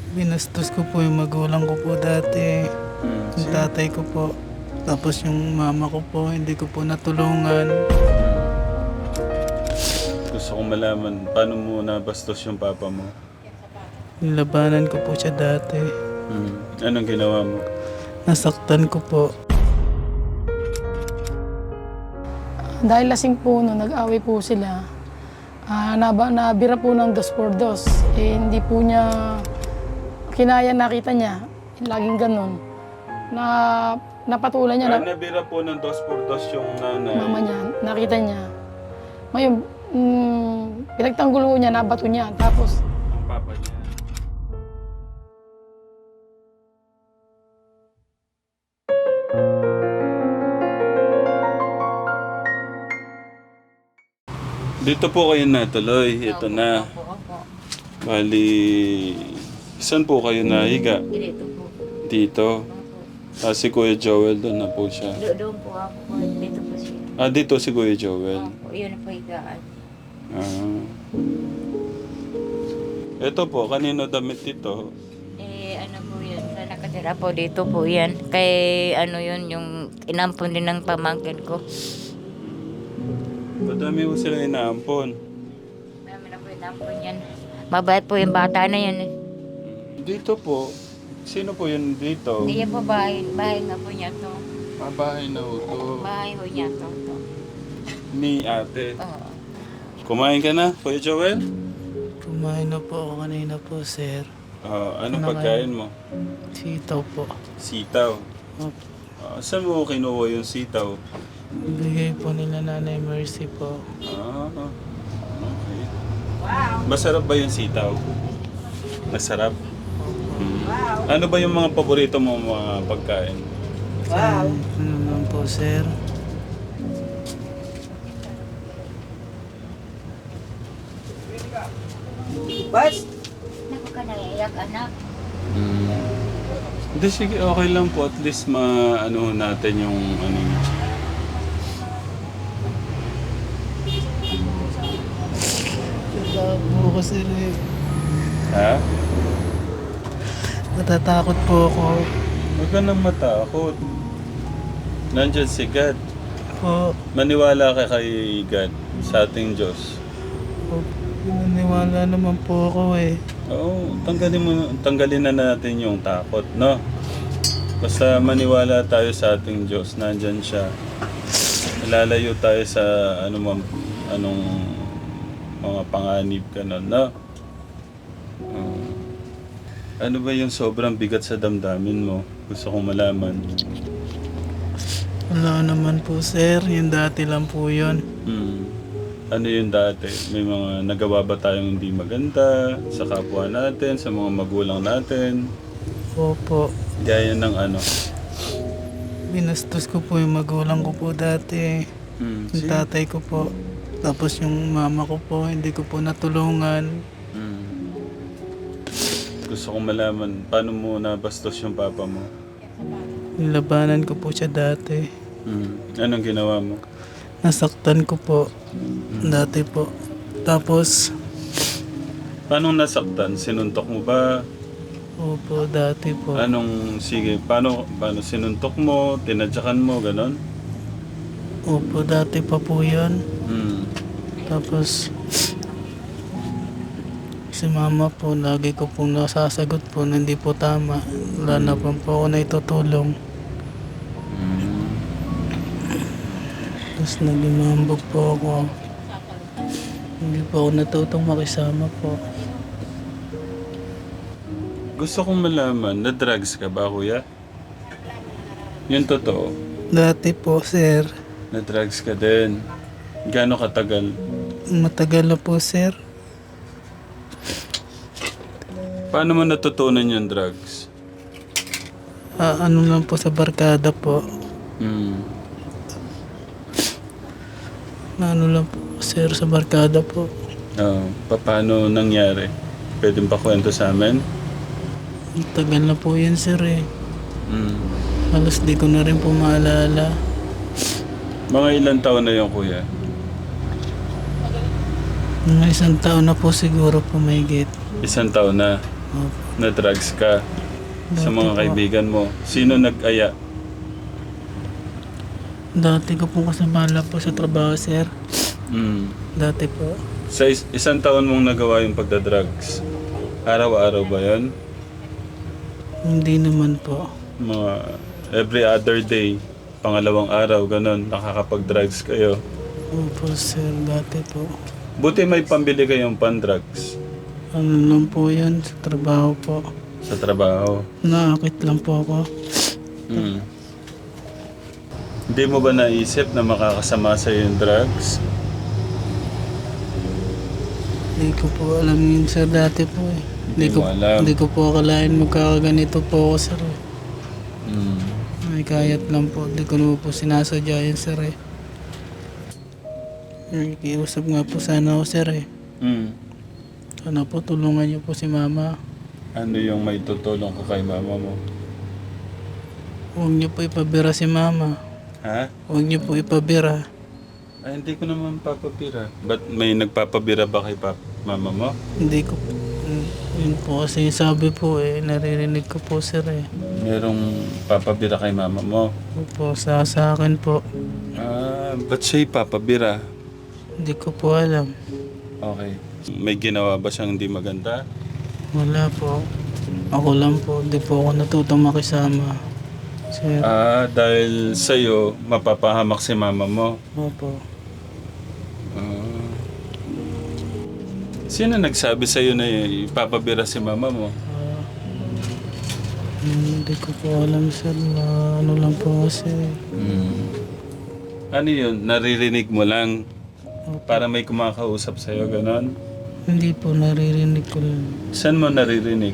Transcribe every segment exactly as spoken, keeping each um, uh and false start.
Binastos ko po yung magulang ko po dati. Hmm. Yung Sino? tatay ko po. Tapos yung mama ko po, hindi ko po natulungan. Gusto kong malaman, paano mo nabastos yung papa mo? Nilabanan ko po siya dati. Hmm. Anong ginawa mo? Nasaktan ko po. Dahil lasing po no, nag-away po sila. Ah, naba, nabira po ng dos por dos. Eh, hindi po niya kinaya, nakita niya. Laging ganun. Na, napatulan niya, Ah, na, nabira po ng dos por dos yung nanay. mama niya, nakita niya. Ngayon, mm, pinagtanggol ko niya, nabato niya. Tapos, Ang papa niya. Dito po kayo natuloy. Ito na. Opo, opo. Bali, saan po kayo nahiga? Dito po. Dito. Opo. Ah, si Kuya Joel doon na po siya. Do- Doon po ako po. Dito po siya. Ah, dito si Kuya Joel. Opo, yun po higaan. Ah. Ito po, kanino damit ito? Eh, ano po yun? Sa nakatira po dito po yan. Kay ano yun, yung inampon din ng pamangkin ko. Madami po sila inaampon. Marami na po inampon yan. Mabait po yung bata na yan eh. Dito po, sino po yun dito? Hindi yan po bahay. Bahay nga po niya to. Ah, bahay na ito. Bahay po niya to. to. Ni ate. Oo. Kumain ka na, Kuya Joel? Kumain na po ako kanina po, sir. Ah, anong Ano pagkain mo? Sitaw po. Sitaw. Opo. Ah, saan mo kinuha yung sitaw? Bigay po nila Nanay Mercy po. Ah, okay. Masarap ba yung sitaw? Masarap? Hmm. Ano ba yung mga paborito mo mga pagkain? Wow! Ano naman po, sir? Naku ka naiyak anak. Hmm. Hindi, sige, okay lang po. At least ma-ano natin yung ano. Natatakot po ako, sir eh. Ha? Natatakot po ako. Huwag ka nang matakot. Nandyan si God. Po, Maniwala ka kay God sa ating Diyos. po, pinaniwala naman po ako eh. Oo, tanggalin mo, tanggalin na natin yung takot, no? Basta maniwala tayo sa ating Diyos, nandyan siya. Lalayo tayo sa ano man, anong mga panganib ka nun, no? Oo. Ano ba yung sobrang bigat sa damdamin mo? Gusto kong malaman. Wala naman po, sir. Yung dati lang po yun. Hmm. Ano yung dati? May mga nagawa ba tayong hindi maganda sa kapwa natin, sa mga magulang natin? Opo. Gaya ng ano? Binastos ko po yung magulang ko po dati. Hmm. Yung Sino? tatay ko po. Tapos yung mama ko po, hindi ko po natulungan. Hmm. Gusto kong malaman, paano mo nabastos yung papa mo? Nilabanan ko po siya dati. Hmm. Anong ginawa mo? Nasaktan ko po. Dati po. Tapos, Paano nasaktan? Sinuntok mo ba? opo, dati po. Anong, sige, paano, paano sinuntok mo? Tinadyakan mo, ganon? Opo, dati pa po yun. Hmm. Tapos, si mama po, lagi ko pong nasasagot po na hindi po tama. Wala na po po ako na itutulong. Hmm. Tapos nagimambog po ako. Hindi po ako natutong makisama po. Gusto kong malaman, na-drugs ka ba, kuya? Yung totoo, Dati po, sir. na-drugs ka din. Gaano katagal? Matagal na po, sir. Paano mo natutunan yung drugs? Ah, ano lang po sa barkada po. Hmm. Ano lang po, sir, sa barkada po. Oh, paano nangyari? Pwede ba kwento sa amin? Tagal na po yan, sir eh. Hmm. Halos di ko na rin po maalala. Mga ilang taon na yung kuya? Mga isang taon na po siguro po mahigit. Isang taon na. Opo. na drugs ka sa Dati mga po. kaibigan mo. Sino nag-aya? Dati ko po kasabala po sa trabaho, sir. Mm. Dati po. Sa is- isang taon mong nagawa yung pagdadrugs, araw-araw ba yun? Hindi naman po. Mga every other day, pangalawang araw, ganun, nakakapag-drugs kayo. Opo, sir. Dati po. Buti may pambili kayong pan-drugs Ano lang po yun sa trabaho po. sa trabaho. Naakit lang po ako. Mm. Hindi mo ba naisip na makakasama sa yung drugs? Hindi ko po alam yun, sir. Dati po eh. Hindi Hindi ko, mo alam. hindi ko po akalain magkakaganito po ako, sir. eh. Mm. May kayat lang po. Hindi ko naman po sinasadya yun, sir eh. Nakikiusap nga po sana ako, sir eh. Mm. Sana po tulungan niyo po si mama. Ano yung may tutulong ko kay mama mo? Huwag niyo po ipabira si mama. Ha? Huwag niyo po ipabira. Ay, hindi ko naman papabira. Ba't may nagpapabira ba kay pap mama mo? Hindi ko po. Yun po kasi sabi po eh. Naririnig ko po, sir eh. Merong papabira kay mama mo? Opo, sa, sa akin po. Ah, ba't siya'y papabira? Hindi ko po alam. Okay. May ginawa ba siyang hindi maganda? Wala po. Ako lang po. Hindi po ako natutong makisama. Sir. Ah, dahil sa'yo, mapapahamak si mama mo. Opo. Ah. Sino nagsabi sa'yo na ipapabira si mama mo? Ah, hindi ko po alam, sir. Na ano lang po kasi. Hmm. Ano yun? Naririnig mo lang para may kumakausap sa'yo, ganon? Hindi po naririnig ko lang. Saan mo naririnig?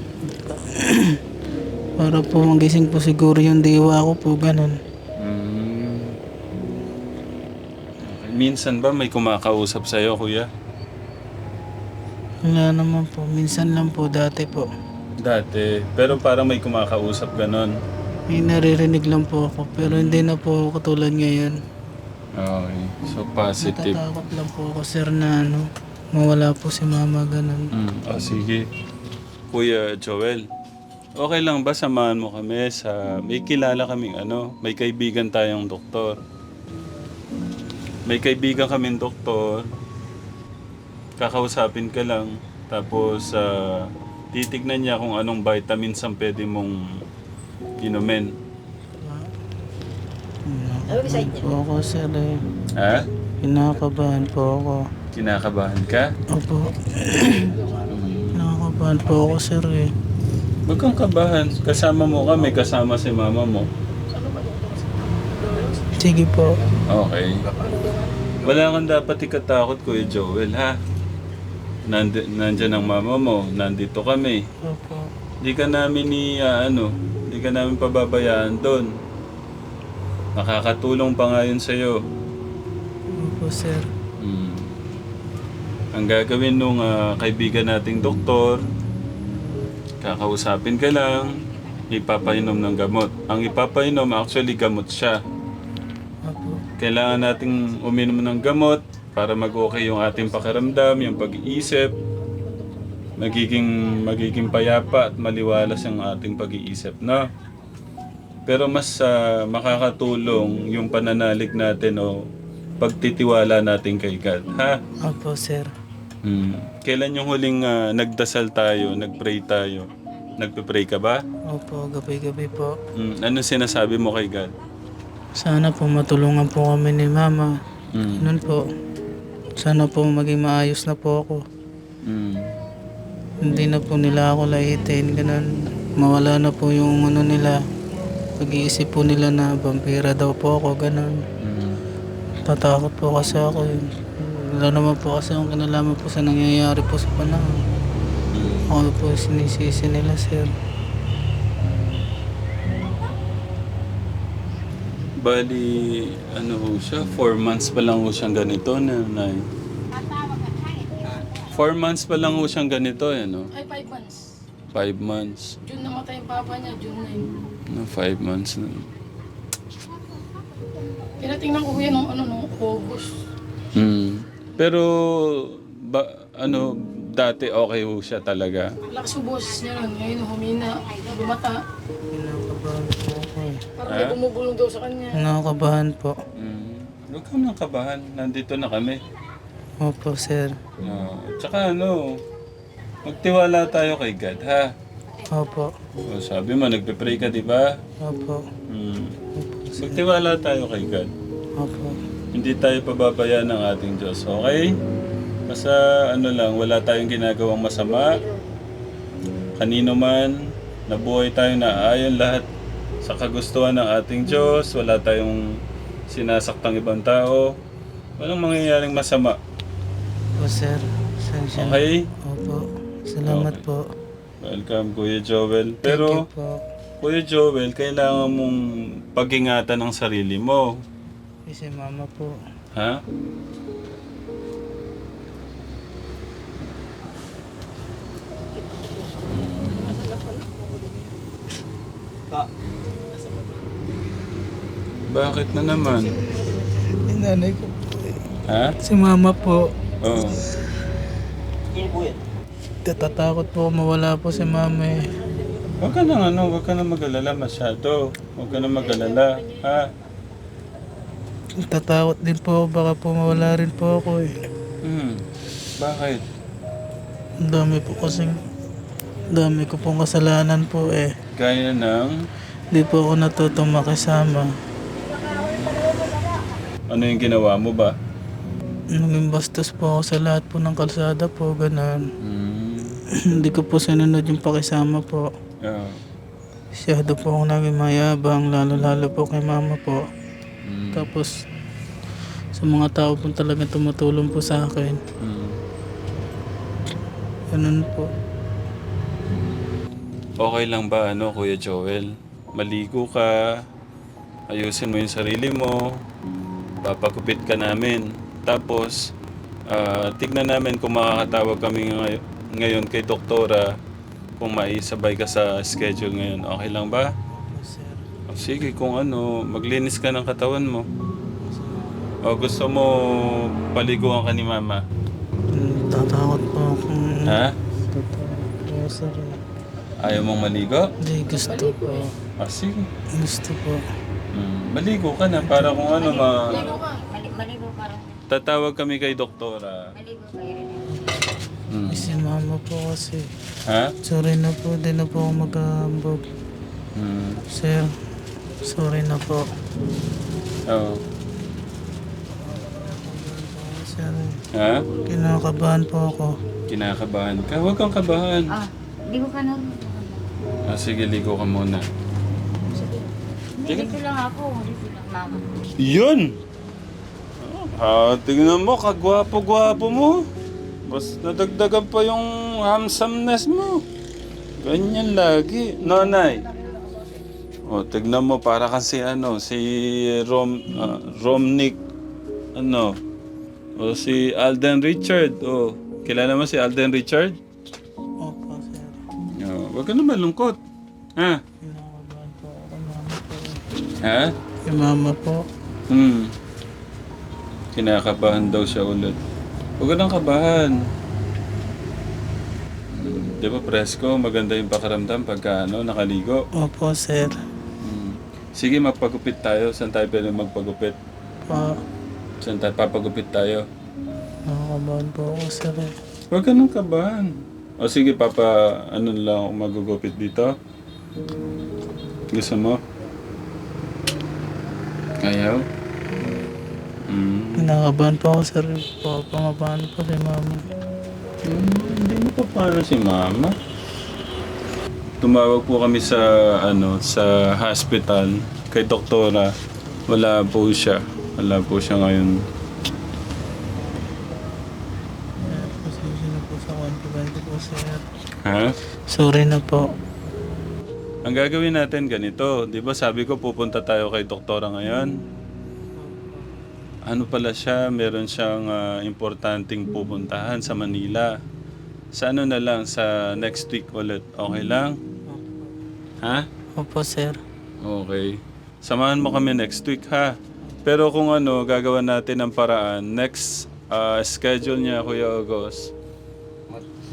Para po magising po siguro yung diwa ko po, ganun. Hmm. Okay. Minsan ba may kumakausap sa'yo, kuya? Wala naman po. Minsan lang po, dati po. Dati. Pero parang may kumakausap, ganon. May naririnig lang po ako. Pero hindi na po katulad ngayon. Okay. So, positive. Natatakot lang po ako, sir, na ano, mawala po si mama, ganun. Mm. Oh, sige. Kuya Joel, okay lang ba samahan mo kami sa... May kilala kaming ano, may kaibigan tayong doktor. May kaibigan kaming doktor. Kakausapin ka lang. Tapos, ah, titignan niya kung anong vitamins ang pwede mong inumin. Kinakabahan po ako, sir, eh. Ha? Kinakabahan po ako. Kinakabahan ka? Opo. Kinakabahan po ako, sir, eh. Huwag kang kabahan. Kasama mo kami, kasama si mama mo. Sige po. Okay. Wala kang dapat ikatakot, Kuya Joel, ha? Nandi, nandyan ang mama mo, nandito kami. Opo. Di ka namin ni, ah, ano, di ka namin pababayaan doon. Makakatulong pa nga yun sa'yo. Opo, sir. Hmm. Ang gagawin nung ah, kaibigan nating doktor, kakausapin ka lang, ipapainom ng gamot. Ang ipapainom, actually gamot siya. Opo. Kailangan nating uminom ng gamot para mag-okay yung ating pakiramdam, yung pag-iisip. Magiging, magiging payapa at maliwalas yung ating pag-iisip, no? Pero mas ah, makakatulong yung pananalig natin o pagtitiwala natin kay God, ha? Opo, sir. Hmm. Kailan yung huling ah, nagdasal tayo, nagpray tayo? Nagpe-pray ka ba? Opo, gabi-gabi po. Hmm. Ano sinasabi mo kay God? Sana po matulungan po kami ni mama. Hmm. Ganun po. Sana po maging maayos na po ako. Hmm. Hindi na po nila ako laitin. Ganun. Mawala na po yung ano nila. Pag-iisip po nila na vampira daw po ako. Ganun. Hmm. Tatakot po kasi ako. eh. Wala naman po kasi akong kinalaman po sa nangyayari po sa panahon. Ako po sinisisi nila, sir. Bali, ano ho siya? Four months pa lang ho siyang ganito, nanay. Four months pa lang ho siyang ganito, eh, no? Ay, five months. Five months. June namatay yung papa niya, June nine. No, five months na. Tinatingnan ko yan nung ano, nung August. Hmm. Pero, ba, ano, dati okay ho siya talaga. Lakas yung boses niya nun. Ngayon humina, lumata. Kinakabahan po ako eh. Parang may bumubulong daw sa kanya. Kinakabahan po. Mm. Huwag kang nang kabahan. Nandito na kami. Opo, sir. No. Tsaka ano, magtiwala tayo kay God, ha? Opo. O, sabi mo, nagpe-pray ka, di ba? Opo. Hmm. Magtiwala tayo kay God. Opo. Hindi tayo pababayaan ng ating Diyos, okay? Basta ano lang, wala tayong ginagawang masama. Kanino man, nabuhay tayo na ayon lahat sa kagustuhan ng ating Diyos. Wala tayong sinasaktang ibang tao. Walang mangyayaring masama. Opo, sir. Sensya na. Okay? Opo. Salamat Okay. po. Welcome, Kuya Joel. Thank Pero, you po. Kuya Joel, kailangan mong pag-ingatan ng sarili mo. Kasi mama po. Ha? Bakit na naman? Yung nanay ko po eh. Ha? Si mama po. Oo. Tatatakot po mawala po si mama eh. Huwag ka nang ano, huwag ka nang mag-alala masyado. Huwag ka nang mag-alala. Ha? Tatakot din po ako, baka po mawala rin po ako eh. Hmm. Bakit? Ang dami po kasing, ang dami ko pong kasalanan po eh. Gaya ng... Di po ako natutong makisama. Ano yung ginawa mo ba? Naging bastos po ako sa lahat po ng kalsada po, ganun. Hmm. Hindi ko po sinunod yung pakisama po. Yeah. Masyado po ako naging mayabang, lalo-lalo po kay mama po. Hmm. Tapos, sa mga tao po talagang tumutulong po sa akin. Hmm. Ganun po. Okay lang ba ano, Kuya Joel? Maligo ka, ayusin mo yung sarili mo, papagupit ka namin. Tapos, ah, tignan namin kung makakatawag kami ngay- ngayon kay doktora kung maisabay ka sa schedule ngayon. Okay lang ba? Sir, O, sige, kung ano, maglinis ka ng katawan mo. O gusto mo paliguan ka ni Mama? mm, tatakot po ako. Ha? Tatakot po, sir. Ayaw mong maligo? Hindi, gusto po. Ah, sige. Gusto po. Hmm, maligo ka na para kung ano ma... Mali, maligo ka rin. Tatawag kami kay doktora. Maligo ka rin. Hmm. Si mama po kasi. Ha? Sorry na po, di na po ako mag-aambog. Hmm. Sir, sorry na po. Oo. Sir, Ha? kinakabahan po ako. Kinakabahan ka? Huwag kang kabahan. Ah, ligo ka na. Ah, sige, ligo ka muna. Dito lang ako. Dito lang, mama. Yun! Ah, tingnan mo, kagwapo-gwapo mo. Mas nadagdagan pa yung handsomeness mo. Ganyan lagi. Nonay. O, tignan mo, para kasi ano, si Rom, ah, Romnick, ano, o si Alden Richard. O, kilala mo si Alden Richard? Opo, sir. O, wag ka na malungkot. Ha? Kinakabahan po ako, mama po. Ha? Yung mama po. Hmm. Kinakabahan daw siya ulit. Huwag ka nang kabahan. Hmm. Di ba, presko, maganda yung pakiramdam pagka ano, nakaligo. Opo, sir. Hmm. Sige, magpagupit tayo. Saan tayo pwede magpagupit? Pa, Saan tayo papagupit tayo? nakakabahan po ako, sir. eh. Huwag ka nang kabahan. O sige, papa, ano lang ako magugupit dito? Gusto mo? Ayaw? Hmm. Kinakabahan po ako, sir. Po, pangabahan po si mama. Hmm, hindi mo pa paano si Mama. Tumawag po kami sa ano sa hospital kay doktora. Wala po siya. Wala po siya ngayon. Pasensya na po sa confident ko po, sir. Ha? Sorry na po. Ang gagawin natin ganito, 'di ba sabi ko pupunta tayo kay doktora ngayon? Ano pala siya, meron siyang ah, importanteng pupuntahan sa Manila. Sa ano na lang, sa next week ulit. Okay lang? Ha? Opo, sir. Okay. Samahan mo kami next week, ha? Pero kung ano, gagawa natin ng paraan. Next ah, schedule niya, Kuya August.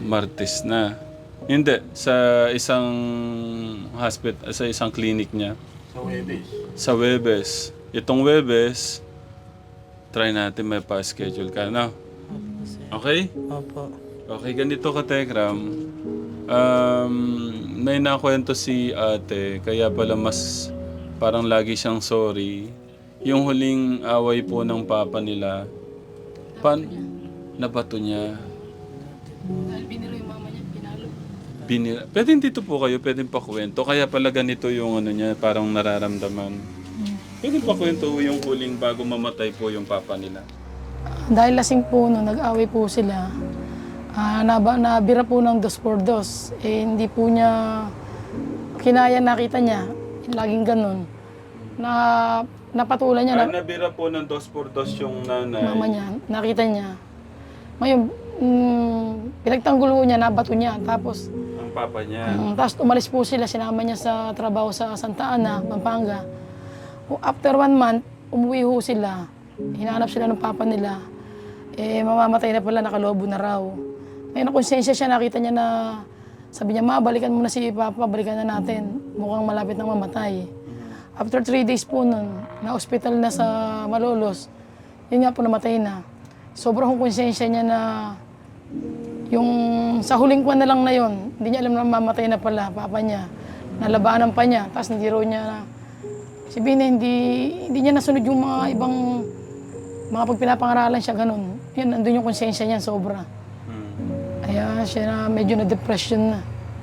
Martes na. Hindi, sa isang hospital, sa isang clinic niya. Sa Webes. Sa Webes. Itong Webes, try natin may pa-schedule ka, no? Okay? Opo. Okay, ganito ka, Tekram. Um, may nakwento si ate, kaya pala mas parang lagi siyang sorry. Yung huling away po ng papa nila, pan, nabato niya. Dahil biniro yung mama niya, pinalo. Binira. Pwede dito po kayo, pwede pa kwento. Kaya pala ganito yung ano niya, parang nararamdaman. Pwede pa kwento yung huling bago mamatay po yung papa nila. Dahil lasing po no, nag-away po sila. Ah, naba, nabira po ng dos por dos. Eh, hindi po niya kinaya, nakita niya. Laging ganun. Na, napatulan niya, Ah, na, nabira po ng dos por dos yung nanay. mama niya, nakita niya. Ngayon, mm, pinagtanggol po niya, nabato niya. Tapos, Ang papa niya. mm, tapos umalis po sila, sinama niya sa trabaho sa Santa Ana, Pampanga. O, After one month, umuwi ho sila. Hinahanap sila ng papa nila. Eh, mamamatay na pala, nakalobo na raw. Ngayon, nakonsensya siya, nakita niya na, sabi niya, ma, balikan mo na si papa, balikan na natin. Mukhang malapit nang mamatay. After three days po nun, na-hospital na sa Malolos, yun nga po namatay na. Sobrang konsensya niya na yung sa huling kwan na lang na yun, hindi niya alam na mamatay na pala, papa niya. Nalabanan pa niya, tapos hindi raw niya, sabihin na hindi, hindi niya nasunod yung mga ibang, mga pag pinapangaralan siya, ganun. Yun, nandun yung konsensya niya, sobra. Hmm. Kaya siya na medyo na-depression na.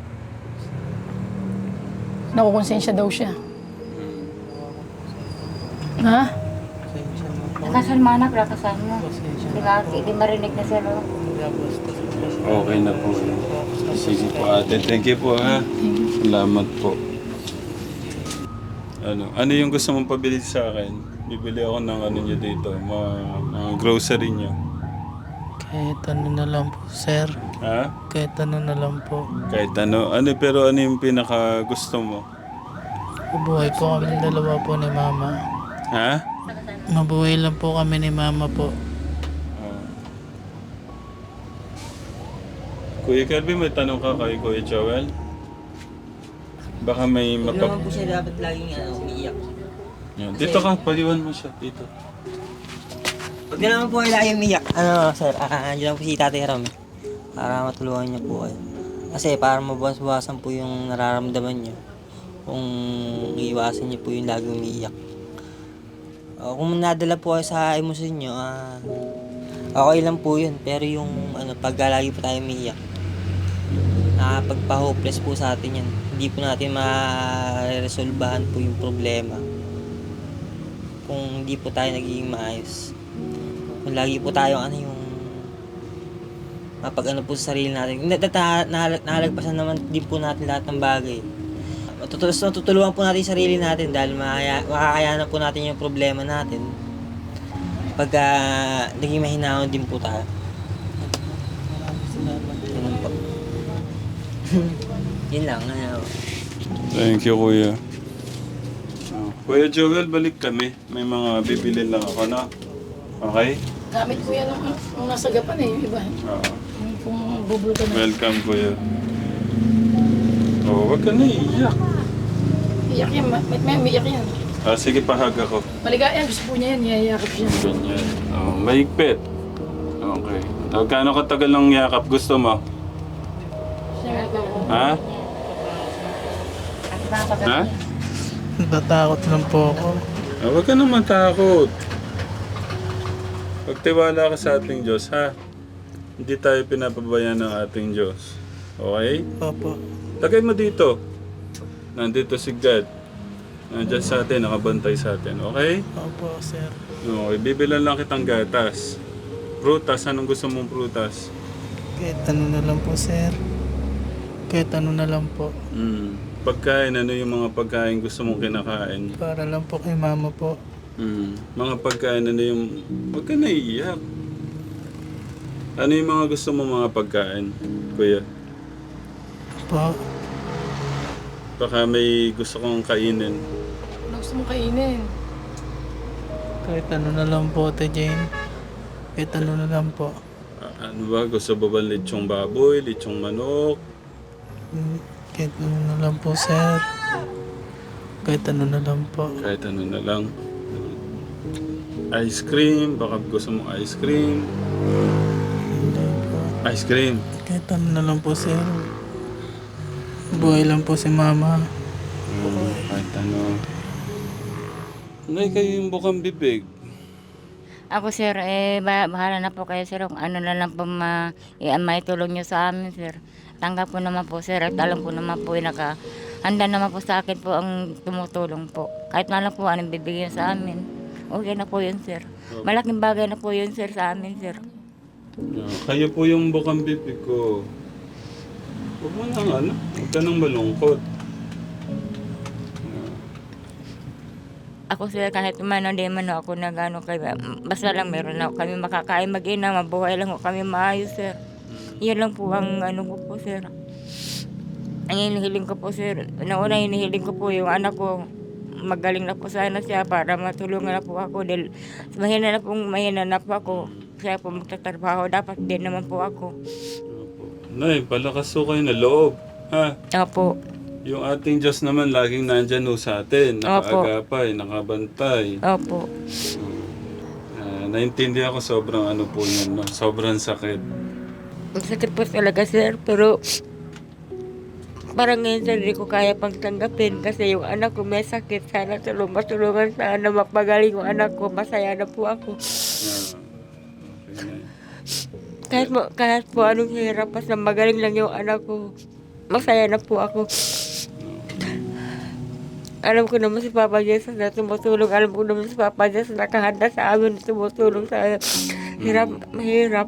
Nakukonsensya daw siya. Ha? Pasensya na po. Lakasan mo anak, lakasan mo. Pasensya Di na ba, po. hindi marinig na sila. Nagabastos po siya. Okay na po. Sige po ate. Thank you po ha. Salamat po. Ano, ano yung gusto mong pabili sa akin? Bibili ako ng ano nyo dito, mga, mga grocery nyo. Kahit ano na lang po, sir. Ha? Kahit ano na lang po. Kahit ano. Ano pero ano yung pinaka gusto mo? Mabuhay po kami dalawa po ni mama. Ha? Mabuhay lang po kami ni mama po. Ah. Kuya Kirby, may tanong ka kay Kuya Joel? Baka may Huwag mapap... naman po siya dapat laging ano, umiiyak. Yan. Dito ka, paliwan mo siya. Dito. Huwag na naman po kayo laging umiiyak. Ano, sir, ah, andyan lang po si Tatay Ram. eh. Para matulungan niyo po kayo. Kasi para mabawas-bawasan po yung nararamdaman niyo. Kung iiwasan niyo po yung laging umiiyak. Uh, kung nadala po kayo sa emosyon niyo, ah, okay lang po yun. Pero yung ano, pag lagi po tayo umiiyak, nakapagpa-hopeless po sa atin yan. Hindi po natin ma-resolbahan po yung problema kung hindi po tayo nagiging maayos. Kung lagi po tayo ano yung mapag ano po sa sarili natin. Nahalagpasan naman din po natin lahat ng bagay. Tutulungan, tutulungan po natin yung sarili natin dahil makaya, makakayanan po natin yung problema natin pagka naging mahinahon din po tayo. Ganun po. Yun lang. Ano. Thank you, Kuya. Oh. Kuya Joel, balik kami. May mga bibili lang ako, no? Okay? Gamit ko yan nung, nung nasa Gapan eh, yung iba. Oo. Yung kung bubul ka na. Welcome, Kuya. Oh, wag ka na iiyak. Iyak yan, may, may umiyak yan. Ah, sige, pahag ako. Maligaya, gusto po niya yan, yayakap siya. Ganyan. Oh, mahigpit. Okay. So, gaano katagal ng yakap gusto mo? Siya nga po. Ha? Ha? Natatakot lang po ako. Ah, huwag ka naman takot. Pagtiwala ka sa ating Diyos, ha? Hindi tayo pinapabayaan ng ating Diyos. Okay? Opo. Lagay mo dito. Nandito si God. Nandiyan sa atin, nakabantay sa atin. Okay? Opo, sir. Okay, bibilan lang kitang gatas. Prutas, anong gusto mong prutas? Kahit ano na lang po, sir. Kahit ano na lang po. Mm. Pagkain, ano yung mga pagkain gusto mong kinakain? Para lang po kay mama po. Mm. Mga pagkain, ano yung... Huwag ka naiiyak. Ano yung mga gusto mong mga pagkain, Kuya? Po. Baka may gusto kong kainin. Ano gusto mong kainin? Kahit ano na lang po, Ate Jane. Kahit ano na lang po. Ano ba? Gusto ba ba lechong baboy, lechong manok? Hmm, Kahit ano na lang po, sir. Kahit ano na lang po. Kahit ano na lang. Ice cream, baka gusto mo ice cream. Hindi po. Ice cream. Kahit ano na lang po, sir. Buhay lang po si mama. Hmm, kahit ano. Nay, kayo yung bukang bibig. Ako sir, eh, ba- bahala na po kayo sir kung ano na lang po ma, eh, maitulong nyo sa amin sir. Tanggap ko naman po sir at alam ko naman po yung naka, handa naman po sa akin po ang tumutulong po. Kahit na lang po anong bibigyan sa amin. Okay na po yun sir. Malaking bagay na po yun sir sa amin sir. Ah, kayo po yung bukang bibig ko. Huwag mo nang ano, huwag ka nang malungkot. Ako sir, kahit man hindi man ako nagano kaya basta lang meron na kami makakain mag-ina, mabuhay lang ko kami maayos sir. Yan lang po ang ano ko po sir. Ang hinihiling ko po sir, nauna hinihiling ko po yung anak ko magaling na po sana siya para matulungan na po ako dahil mahina na po, mahina na po ako. Siya po magtatrabaho, dapat din naman po ako. Opo. Nay, palakas ho kayo na loob. Ha? Opo. Yung ating Diyos naman laging nandyan ho sa atin. Nakaagapay, nakabantay. Opo. Uh, naintindihan ko sobrang ano po yun. No? Sobrang sakit. Ang sakit po talaga sir, pero parang ngayon sir, hindi ko kaya pang tanggapin kasi yung anak ko may sakit. Sana tulong, matulungan sana mapagaling yung anak ko. Masaya na po ako. Ah, okay, Nay. Kahit po, kahit po anong hirap, basta magaling lang yung anak ko. Masaya na po ako. Alam ko naman si Papa Jesus na tumutulong. Alam ko naman si Papa Jesus na nakahanda sa amin na tumutulong sa hirap, mahirap.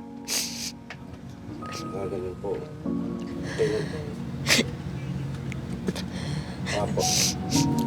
Gagaling po. Tingnan po. Apo.